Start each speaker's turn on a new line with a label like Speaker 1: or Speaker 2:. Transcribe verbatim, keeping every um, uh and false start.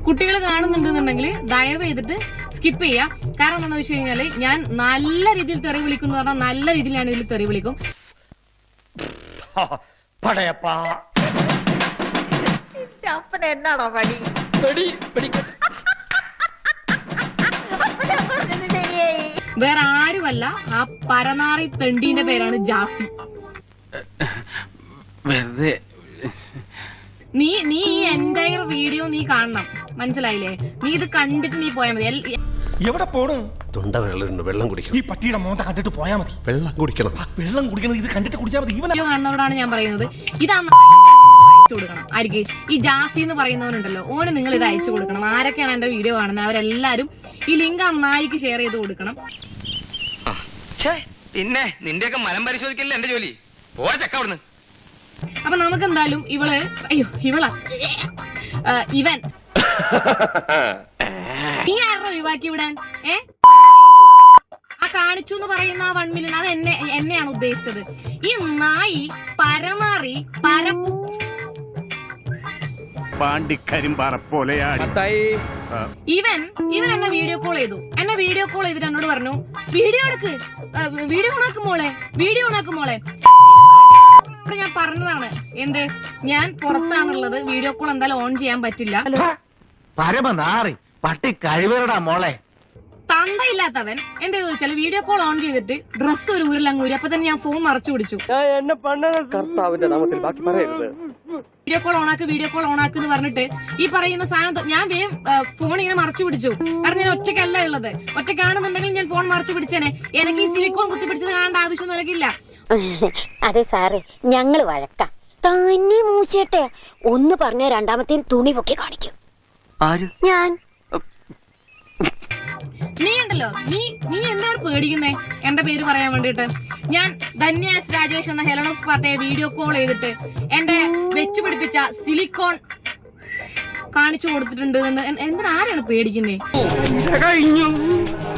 Speaker 1: കുട്ടികൾ കാണുന്നുണ്ടെന്നുണ്ടെങ്കിൽ ദയവ് ചെയ്തിട്ട് സ്കിപ്പ് ചെയ്യാം. കാരണം എന്താണെന്ന് വെച്ച് കഴിഞ്ഞാല് ഞാൻ നല്ല രീതിയിൽ തെറി വിളിക്കും എന്ന് പറഞ്ഞാൽ നല്ല രീതിയിൽ ഞാൻ ഇതിൽ തെറി വിളിക്കും.
Speaker 2: എന്നാണോ പണി?
Speaker 1: വേറെ ആരുമല്ല, ആ പരനാറി തെണ്ടീന്റെ പേരാണ് ജാസി. നീ നീ ഈ എൻറ്റയർ വീഡിയോ നീ കാണണം, മനസ്സിലായില്ലേ? നീ ഇത് കണ്ടിട്ട് നീ പോയാൽ മതി.
Speaker 3: എവിടെ പോണു?
Speaker 4: തൊണ്ട വെള്ളം വെള്ളം കുടിക്കണം.
Speaker 3: ഈ പട്ടിയുടെ മോന്ത കണ്ടിട്ട് പോയാൽ മതി.
Speaker 4: വെള്ളം കുടിക്കണം.
Speaker 3: വെള്ളം കുടിക്കണം. ഇത് കണ്ടിട്ട് കുടിച്ചാൽ മതി.
Speaker 1: വീഡിയോ കാണുന്നവരോടാണ് ഞാൻ പറയുന്നത്, ഇതാ അയച്ചു കൊടുക്കണം. ആർക്ക്? ഈ ജാസി എന്ന് പറയുന്നവനുണ്ടല്ലോ, ഓന് നിങ്ങൾ ഇത് അയച്ചു കൊടുക്കണം. ആരൊക്കെയാണ് എന്റെ വീഡിയോ കാണുന്നത് അവരെല്ലാരും ഈ ലിങ്ക് ആ നായിക്ക് ഷെയർ ചെയ്ത് കൊടുക്കണം.
Speaker 5: പിന്നെ നിന്റെയൊക്കെ മലം പരിശോധിക്കല്ലേ എന്റെ ജോലി. പോരാ ചക്ക അവിടുന്ന്.
Speaker 1: അപ്പൊ നമുക്ക് എന്തായാലും ഇവള് അയ്യോ ഇവളാ ഇവൻ നീ ആരോ ഒഴിവാക്കി വിടാൻ? ഏ ആ കാണിച്ചു എന്ന് പറയുന്ന ആ വൺ മില്യൺ അത് എന്നെ എന്നെയാണ് ഉദ്ദേശിച്ചത്. ഈ നായി പരമാറി പരപ്പു ഇവൻ ഇവൻ എന്നെ വീഡിയോ കോൾ ചെയ്തു. എന്നെ വീഡിയോ കോൾ ചെയ്തിട്ട് എന്നോട് പറഞ്ഞു വീഡിയോ എടുക്ക്, വീഡിയോ ഓണാക്കും മോളെ, വീഡിയോ ഓണാക്കും മോളെ. ഞാൻ പറഞ്ഞതാണ് എന്ത്, ഞാൻ പുറത്താണുള്ളത്, വീഡിയോ കോൾ എന്തായാലും ഓൺ ചെയ്യാൻ പറ്റില്ല.
Speaker 5: പട്ടി കഴിവരടാ മോളെ.
Speaker 1: തന്തയില്ലാത്തവൻ എന്താ ചോദിച്ചാല് വീഡിയോ കോൾ ഓൺ ചെയ്തിട്ട് ഡ്രസ്സ് ഒരു ഊരിലങ്ങൂരി. അപ്പൊ തന്നെ ഞാൻ ഫോൺ മറച്ചു പിടിച്ചു. വീഡിയോ കോൾ ഓണാക്ക്, വീഡിയോ കോൾ ഓണാക്ക് എന്ന് പറഞ്ഞിട്ട് ഈ പറയുന്ന സാധനം ഞാൻ വേഗം ഫോൺ ഇങ്ങനെ മറച്ചു പിടിച്ചു. കാരണം ഞാൻ ഒറ്റയ്ക്കല്ല ഉള്ളത്. ഒറ്റയ്ക്കാണെന്നുണ്ടെങ്കിൽ ഞാൻ ഫോൺ മറച്ചു പിടിച്ചേനെ. എനിക്ക് ഈ സിലിക്കോൺ കുത്തി പിടിച്ചത് കാണേണ്ട ആവശ്യമൊന്നും എനിക്കില്ല.
Speaker 2: അതെ സാറേ, ഞങ്ങള് വഴക്കാം. തന്നെ മൂച്ചേട്ടെ ഒന്ന് പറഞ്ഞ രണ്ടാമത്തെ തുണി പൊക്കി കാണിക്കും. ഞാൻ
Speaker 1: നീ ഉണ്ടല്ലോ, നീ നീ എന്താണ് പേടിക്കുന്നേ എന്റെ പേര് പറയാൻ വേണ്ടിട്ട്? ഞാൻ ധന്യാസ് രാജേഷ് എന്ന ഹെലനോസ് പാർട്ടിയെ വീഡിയോ കോൾ ചെയ്തിട്ട് എന്റെ വെച്ചു പിടിപ്പിച്ച സിലിക്കോൺ കാണിച്ചു കൊടുത്തിട്ടുണ്ട് എന്ന് എന്തിനാരാണ് പേടിക്കുന്നേ?